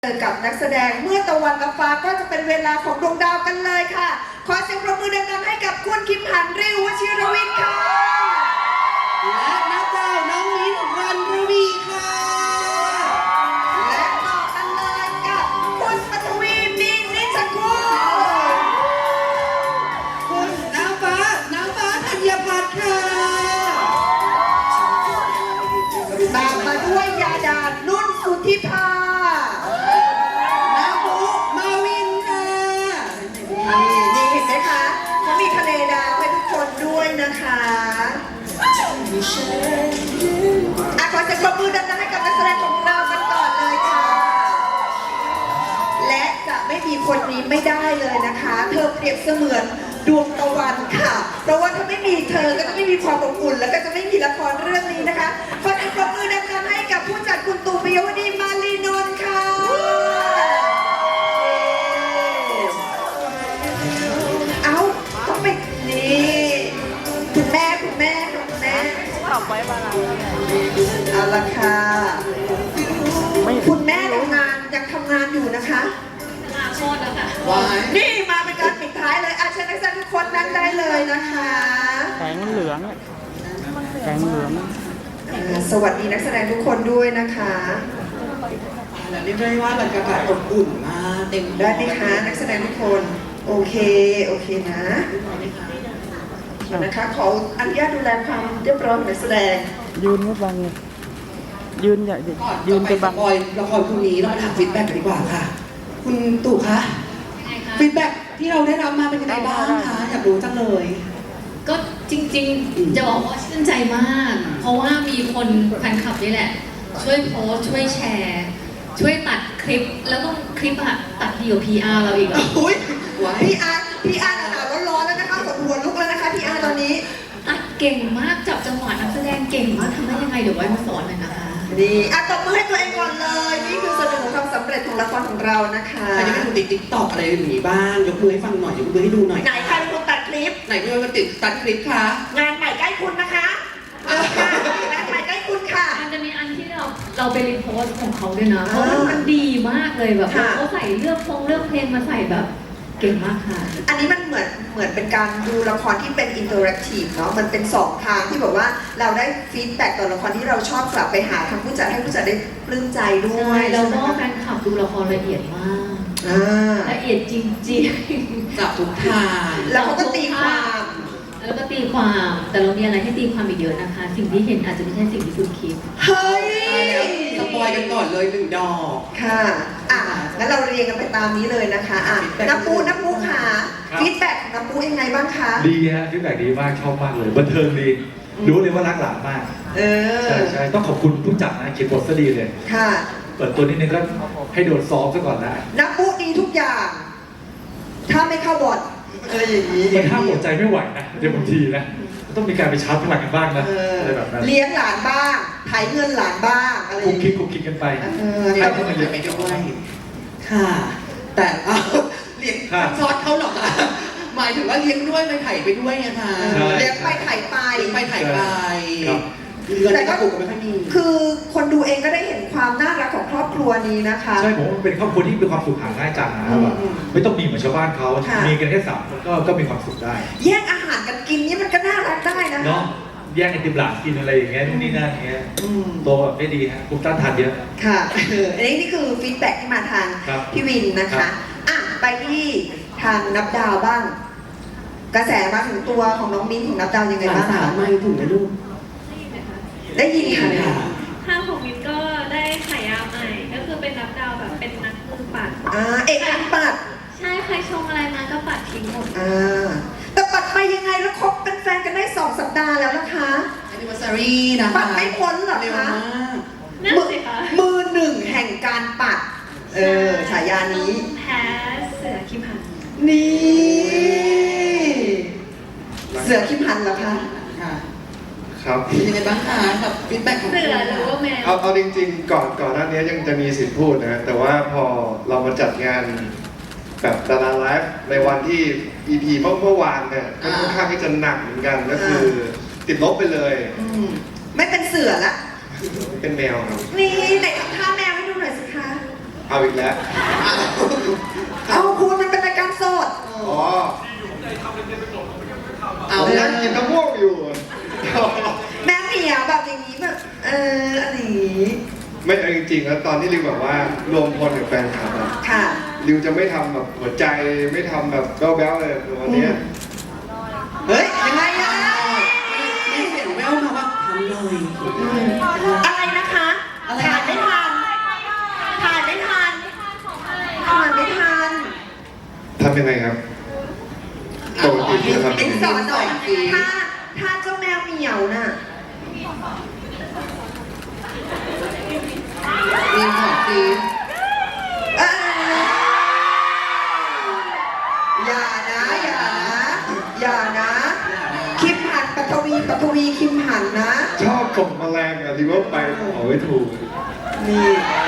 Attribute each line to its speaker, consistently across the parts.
Speaker 1: เจอกับนักแสดงเมื่อตะวันกับฟ้าก็จะเป็นเวลาของดวงดาวกันเลยค่ะขอเสียงปรบมือดังๆให้กับคุณคิมหันริววชิรวิทย์ค่ะ
Speaker 2: และนักดาวน้องมิ้นรันรวีค่ะ
Speaker 1: และต่อกันเลยกับคุณปฐวีมีนิชกุล
Speaker 2: คุณน้ำฟ้าธัญพัฒน์ค่ะ
Speaker 1: ตามมาด้วยยาดานุ่นสุธิภานี่เห็นไหมคะเขามีทะเลดาวให้ทุกคนด้วยนะคะขอเสียงปรบมือดังๆให้กับนักแสดงของเรากันก่อนเลยค่ะและจะไม่มีคนนี้ไม่ได้เลยนะคะเธอเปรียบเสมือนดวงตะวันค่ะเพราะว่าถ้าไม่มีเธอก็จะไม่มีความอบอุ่นแล้วก็จะไม่มีละครเรื่องนี้นะคะขอเสียงปรบมือดังๆให้กับผู้จัดคุณตู่ ปิยวดีมาลีนนท์ค่ะต้องไปนี่คุณแม่ตอบไว้บ้างเอาละค่ะคุณแม่ยังทำงานอยู่นะคะ
Speaker 3: โคตรแล้วค่ะ
Speaker 1: นี่มาเป็นการปิดท้ายเลยอาเชิญนักแสดงทุกคนนั่งได้เลยนะคะ
Speaker 4: แข็งเหลือง
Speaker 1: สวัสดีนักแสดงทุกคนด้วยนะคะ
Speaker 2: และเรียกได้ว่าบรรยากาศอบอุ่นมากเต็ม
Speaker 1: ได้ไหมคะนักแสดงทุกคนโอเคนะนะคะขออนุญาตดูแลความเรียบร้อยของนักแสดง
Speaker 4: ยืนไม่บังเลยยืนอย่ายืนไปบัง
Speaker 2: ละครพรุ่งนี้เรามาถามฟีดแบ็กกันดีกว่าค่ะคุณตู่คะฟีดแบ็กที่เราได้รับมาเป็นยังไงบ้างคะอยากรู้จังเลย
Speaker 3: ก็จริงๆจะบอกว่าชื่นใจมาก เพราะว่ามีคนแฟนคลับนี่แหละช่วยโพสช่วยแชร์ช่วยตัดคลิปแล้วก็คลิปอะตัดดีกว่า PR เราอีกอ่ะ
Speaker 1: อุ้ย PR หนาวร้อนแล้วนะคะกดหัวลุกแล้วนะคะ PR ตอนนี้
Speaker 3: ตัดเก่งมากจับจังหวะนักแสดงเก่งมากทำได้ยังไงเดี๋ยวไว้มาสอนหน่อยนะคะ
Speaker 1: ดีตบมือให้ตัวเองก่อนเลยนี่คือส่วนหนึ่งของความสำเร็จของละครของเรานะคะ
Speaker 2: ใครจะไม่ดูติ๊กต็อกอะไรอย่างนี้บ้างยกมือให้ฟังหน่อยยกมือให้ดูหน่อย
Speaker 1: ไหนใครเป็นคนตัดคลิป
Speaker 2: ไหนเป็นคนตัดคลิปคะ
Speaker 1: งานใหม่ใกล้คุณนะคะงานใหม่ใกล้คุณค่ะ
Speaker 3: มันจะมีอันที่เราไปรีโพสของเขาด้วยนะเพราะมันดีมากเลยแบบเขาใส่เลือกเพลงมาใส่แบบเก่งมากค่ะ
Speaker 1: อันนี้มันเหมือนเป็นการดูละครที่เป็นอินเตอร์แอคทีฟเนาะมันเป็น2ทางที่แบบว่าเราได้ฟีดแบ็กต่อละครที่เราชอบกลับไปหาทางผู้จัดให้ผู้จัดได้ปลื้มใจด้วย
Speaker 3: แล้วก็แฟนคลับดูละครละเอียดมากละเอียดจริง
Speaker 2: ๆกับทุกทาง
Speaker 1: แล้วเขาก็ตีความ
Speaker 3: แต่เรามีอะไรให้ตีความอีกเยอะนะคะสิ่งที่เห็นอาจจะไม่ใช่สิ่งที่คุณคิด
Speaker 1: เฮ้ย
Speaker 2: สปอยกันก่อนเลย1 ดอก
Speaker 1: ค่ะงั้นเราเรียงกันไปตามนี้เลยนะคะน้ำปูค่ะฟีดแบ็กน้ำปูยังไงบ้างคะ
Speaker 5: ดีฮะฟีดแบ็กดีมากชอบมากเลยบันเทิงดีรู้เลยว่ารักหลานมากใช่ต้องขอบคุณผู้จัดนะเขียนบทซะดีเลย
Speaker 1: ค่ะ
Speaker 5: เปิดตัวนิดนึงก็ให้โดนซ้อมซะก่อนนะ
Speaker 1: น้ำปูดีทุกอย่างถ้าไม่เข้าบทอะไรอย่างนี้
Speaker 5: มันห้ามหัวใจไม่ไหวนะเดี๋ยวบางทีนะต้องมีการไปชาร์จพลังกันบ้างนะอะไรแบบนั้น
Speaker 1: เลี้ยงหลานบ้างถ่ายเงินหลานบ้างอะไร
Speaker 5: คุกคิดกันไป
Speaker 2: ให้พวกมันเยอะไปด้วยค่ะแต่เลี้ยงซอสเขาหรอกค่ะหมายถึงว่าเลี้ยงด้วยไปถ่ายไปด้วยไงคะ
Speaker 1: เลี้ยงไปถ่ายไป
Speaker 2: แต่ก็ไม่ค่อยมี
Speaker 1: คือคนดูเองก็ได้เห็นความน่ารักของครอบครัวนี้นะคะ
Speaker 5: ใช่ผมว่าเป็นครอบครัวที่มีความสุขหาง่ายจังนะแบบไม่ต้องมีเหมือนชาวบ้านเขามีกันแค่3 คนก็มีความสุขได้
Speaker 1: แย่งอาหารกันกินนี่มันก็น่ารักได้นะ
Speaker 5: เนาะแย่งไอติมหลานกินอะไรอย่างเงี้ยนู่นนี่นั่นเงี้ยโตแบบไม่ดีฮะภูมิต้านทานเยอะ
Speaker 1: ค่ะอันนี้คือฟีดแบ็กที่มาทางพี่วินนะคะไปที่ทางนับดาวบ้างกระแสมาถึงตัวของน้องมิ้นของนับดาวยังไงบ้างคะ
Speaker 2: ไม่ถึงนะลูก
Speaker 1: ได้ยินค่ะ
Speaker 6: ทางของมินก็ได้ฉายาใหม่ก็คือเป็นนับดาวแบบเป็นนักมือปัด
Speaker 1: เอกนักปัด
Speaker 6: ใช่ใครชงอะไรมาก็ปัดทิ้งหมด
Speaker 1: แต่ปัดไปยังไงแล้วคบเป็นแฟนกันได้2 สัปดาห์แล้วนะคะ
Speaker 2: anniversary นะคะ
Speaker 1: ปัดไม่พ้นหรอคะ
Speaker 6: นั่นสิคะ
Speaker 1: มือ1แห่งการปัดฉายานี้
Speaker 6: แพ้เสือคิมหัน
Speaker 1: นี่เสือคิมหันเหรอคะ
Speaker 5: ครับ
Speaker 2: เป็นยังไงบ้างคะกับฟีดแบ็กของ
Speaker 6: เสือหรือว่าแมว
Speaker 7: เอาจริงๆก่อนหน้านี้ยังจะมีสิทธิ์พูดนะแต่ว่าพอเรามาจัดงานแบบดาราไลฟ์ในวันที่ EP เมื่อวานเนี่ยก็ค่อนข้างที่จะหนักเหมือนกันก็คือติดลบไปเลย
Speaker 1: ไม่เป็นเสือละ
Speaker 7: เป็นแมวครับ
Speaker 1: นี่ไหนทำท่าแมวให้ดูหน่อยสิคะ
Speaker 7: เอาอีกแล้ว
Speaker 1: เอาคุณมันเป็นรายการสด
Speaker 7: อ๋อ
Speaker 2: เอา
Speaker 7: ผม
Speaker 2: แล้
Speaker 7: ยั
Speaker 2: ว
Speaker 7: งกินมะม่วงอยู่
Speaker 1: แม่เหมียวแบบอย่างนี้แบบอะไรอย่างนี้
Speaker 7: ไม่เอาจริงๆแล้วตอนที่ริวแบบว่ารวมพลกับแฟนคลับอะ
Speaker 1: ค่ะ
Speaker 7: ริวจะไม่ทำแบบหัวใจไม่ทำแบบแบ๊วๆเลยคือวันเนี้ย
Speaker 1: เฮ้ยยังไงอะ
Speaker 2: ไม่เห็นแววมาว่าทำเลย
Speaker 1: อะไรนะคะ
Speaker 2: อะไร
Speaker 1: ทานไม่ทันทานไม่ทันทานไม่ทัน
Speaker 7: ทำยังไงครับปกติจะทำ
Speaker 1: เอ็
Speaker 7: ยัง
Speaker 1: น
Speaker 7: ไง
Speaker 1: สอนหน่อยถ้าเจ้าแมวเหมียวน่ะ
Speaker 2: มีของฟรี
Speaker 1: เอ้ยอย่านะอย่านะอย่านะ คิมหันปัทวีคิมหันนะ
Speaker 7: ชอบส่งแมลงอะที่ว่าไปขอไม่ถูก
Speaker 1: นี่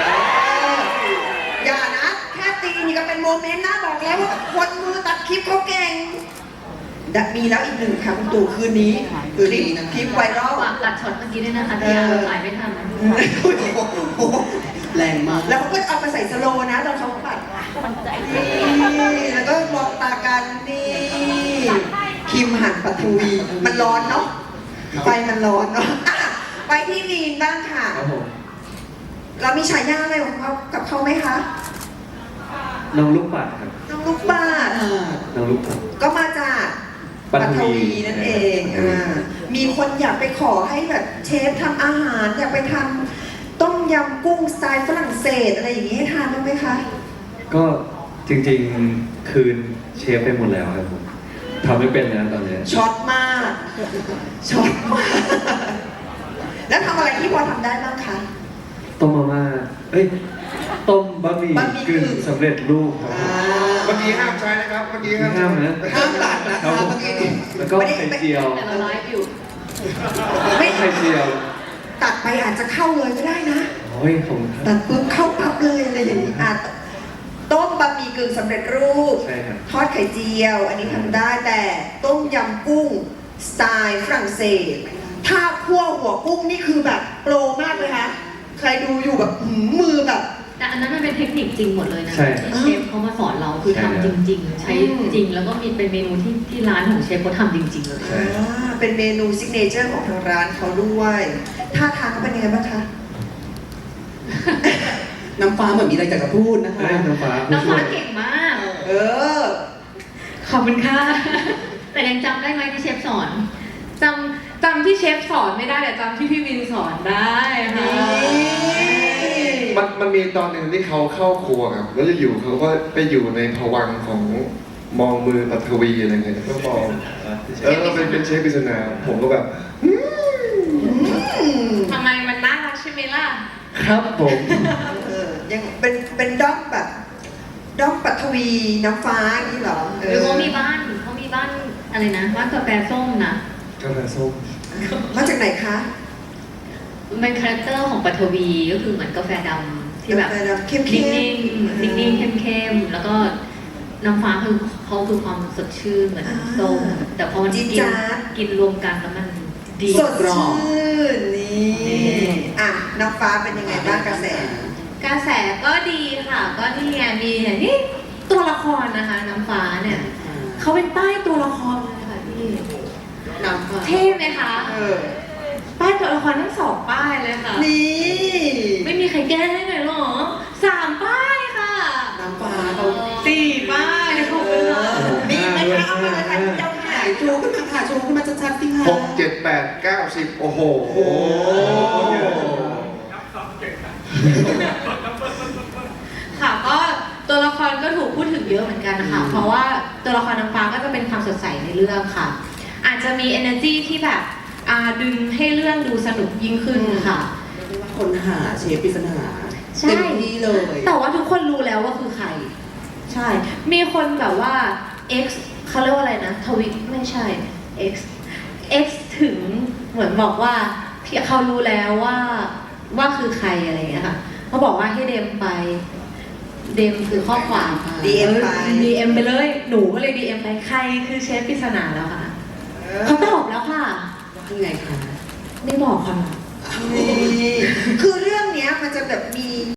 Speaker 1: อย่านะ แค่ตีนี่ก็เป็นโมเมนต์นะบอกแล้วว่าคนมือตัดคลิปเขาเก่งมีแล้วอีกหนึ่งค่ะคุณตู่คืนนี้คลิปไวรัล
Speaker 3: ฝากตัดช็อตเมื่อกี้ด้วยนะคะที่ยังถ่ายไม่ทันนะ
Speaker 2: แรงมาก
Speaker 1: แล้วเขาก็เอามาใส่สโลว์นะตอนเขาปัดนี่แล้วก็มองตากันนี่คิมหันปัทวีมันร้อนเนาะไฟมันร้อนเนาะอ่ะไปที่ลีนบ้างค่ะ
Speaker 5: ครับผม
Speaker 1: เรามีฉายาอะไรของเขากับเขาไหมคะ
Speaker 5: น้องลูกปัดครับ
Speaker 1: น้องลูกบาศก์
Speaker 5: น้องลูกปัด
Speaker 1: ก็มาจาก
Speaker 5: ปั
Speaker 1: ปั
Speaker 5: ท
Speaker 1: ท
Speaker 5: วี
Speaker 1: วีนั่นเองมีคนอยากไปขอให้แบบเชฟทำอาหาร อยากไปทำต้มยำกุ้งสไตล์ฝรั่งเศสอะไรอย่างนี้ให้ทานบ้างไหมคะ
Speaker 5: ก็จริงๆคืนเชฟไปหมดแล้วครับผมทำไม่เป็นนะตอนเนี้ย
Speaker 1: ช็อตมากช็อตมากแล้วทำอะไรที่พอทำได้บ้างคะ
Speaker 5: ต้มมาม่าเอ้ยต้มบะหมี่
Speaker 1: บะหมี่
Speaker 5: กึ่งสำเร็จรูปครับผม
Speaker 7: เมื่อกี้ห้ามใช้นะครับ เมื่อกี้ห้าม
Speaker 5: ห้ามนะ
Speaker 2: ห้ามตัดนะ
Speaker 5: ครั
Speaker 2: คะ
Speaker 5: บผม
Speaker 2: เมื่อกี้นี้
Speaker 5: แล้วก็ไข่เจียว
Speaker 3: แต่เราไลฟ์อยู่
Speaker 1: ไม่
Speaker 5: ไข่เจียว
Speaker 1: ตัดไปอาจจะเข้าเลยก็ได้นะ
Speaker 5: โอ้ยผมครับ
Speaker 1: ตัดปุ๊บเข้าปั๊บเลยอะไรอย่างนี้ต้มบะหมี่กึ่งสำเร็จรูป
Speaker 5: ใช่ครับ
Speaker 1: ทอดไข่เจียว อันนี้ทำได้แต่ต้มยำกุ้งสไตล์ฝรั่งเศส ถ้าคั่วหัวกุ้งนี่คือแบบโปรมากเลยคะใครดูอยู่แบบมือแบบ
Speaker 3: แต่อันนั้นมันเป็นเทคนิคจริงหมดเลยนะ
Speaker 5: ใช่
Speaker 3: ที่เชฟเขามาสอนเราคือ
Speaker 5: ใช่
Speaker 3: ทำจริง ๆ ใช้จริงแล้วก็มีเป็นเมนูที่ร้านของเชฟเขาทำจริง ๆ เลย
Speaker 5: ใช่
Speaker 1: เป็นเมนูซิกเนเจอร์ของทางร้านเขาด้วยท่าทางเขาเป็นยังไงบ้างคะ
Speaker 2: น้ำฟ้าเหมือนมีอะไรอยากจะพูดนะคะ
Speaker 5: เอ้ยน้ำฟ้าผู้
Speaker 3: น้อง
Speaker 5: ช่ว
Speaker 3: ฟ้าย เก่งมาก
Speaker 1: เออ
Speaker 3: ขอบคุณค่ะ แต่ยังจำได้ไหมที่เชฟสอน
Speaker 8: จำที่เชฟสอนไม่ได้แต่จำที่พี่วินสอนได้ค่ะ
Speaker 7: มันมีตอนหนึ่งที่เขาเข้าครัวครับ แล้วอยู่ๆเขาก็ไปอยู่ในภวังค์ของมองมือปัทวีอะไรเงี้ยก็มองเป็นเชฟปริศนาผมก็แบบ
Speaker 8: ทำไมมันน่ารักใช่ไหมล่ะ
Speaker 5: ครับผม
Speaker 1: ยังเป็นด้อมแบบด้อมปัทวีน้ำฟ้าอย่างนี้เหรอ
Speaker 3: หรือเขามีบ้านอะไรนะบ้านกาแฟส้มนะ
Speaker 5: กาแฟส้ม
Speaker 1: มาจากไหนคะ
Speaker 3: เป็นคาแรคเตอร์ของปัทวีก็คือเหมือนกาแฟดำที่แบบ
Speaker 1: กาแฟดำเข้มๆ
Speaker 3: นิ่งๆนิ่งๆเข้มๆแล้วก็น้ำฟ้าคือเขาคือความสดชื่นเหมือนน้ำส้มแต่พอมัน
Speaker 1: จี๊ด
Speaker 3: กิน
Speaker 1: จ๊าด
Speaker 3: กินรวมกันแล้วมันดี
Speaker 1: สดชื่นนี่อ่ะน้ำฟ้าเป็นยังไงบ้างกระแส
Speaker 8: กระแสก็ดีค่ะ ก็นี่ไงมีอย่างที่ตัวละครนะคะ น้ำฟ้าเนี่ยเขาเป็นป้ายตัวละครเลยค่ะพี่
Speaker 2: น้ำฟ้า
Speaker 8: เท่ไหมคะ
Speaker 1: เออ
Speaker 8: ป้ายตัวละครทั้งสองป้ายเลยค่ะ
Speaker 1: นี่
Speaker 8: ไม่มีใครแก้ได้เลยเหรอ3 ป้ายค่ะ
Speaker 2: น้ำฟ้าเขา
Speaker 8: 4 ป้ายขอบคุณค่ะ
Speaker 1: มีไหมคะเอามาเลยค่ะเจ้าค่ะ
Speaker 2: ถ่ายโชว์ขึ้นมาค่ะโชว์ขึ้นมาชัดๆสิคะ
Speaker 7: 6 7 8 9 10 โอ้โห
Speaker 8: ค่ะก็ตัวละครก็ถูกพูดถึงเยอะเหมือนกันนะคะเพราะว่าตัวละครน้ำฟ้าก็จะเป็นความสดใสในเรื่องค่ะ อาจจะมี energy ที่แบบดึงให้เรื่องดูสนุกยิ่งขึ้นค่ะ
Speaker 2: คนหาเชฟปริศนา
Speaker 8: ใช่
Speaker 2: เต็มที่เลย
Speaker 8: แต่ว่าทุกคนรู้แล้วว่าคือใคร ใช่ มีคนแบบว่า X เขาเรียกว่าอะไรนะทวิตไม่ใช่ X ถึงเหมือนบอกว่าเขารู้แล้วว่าคือใครอะไรอย่างเงี้ยค่ะเขาบอกว่าให้เดมไป เดมคือข้อความ
Speaker 1: DM ไป
Speaker 8: DM ไปเลย หนูก็เลย DM ไปใครคือเชฟปริศนาแล้วค่ะเขาตอบแล้วค่ะ
Speaker 2: คือไงคะ
Speaker 8: ไม่บอกค่ะ
Speaker 1: นี่คือเรื่องเนี้ยมันจะแบบมี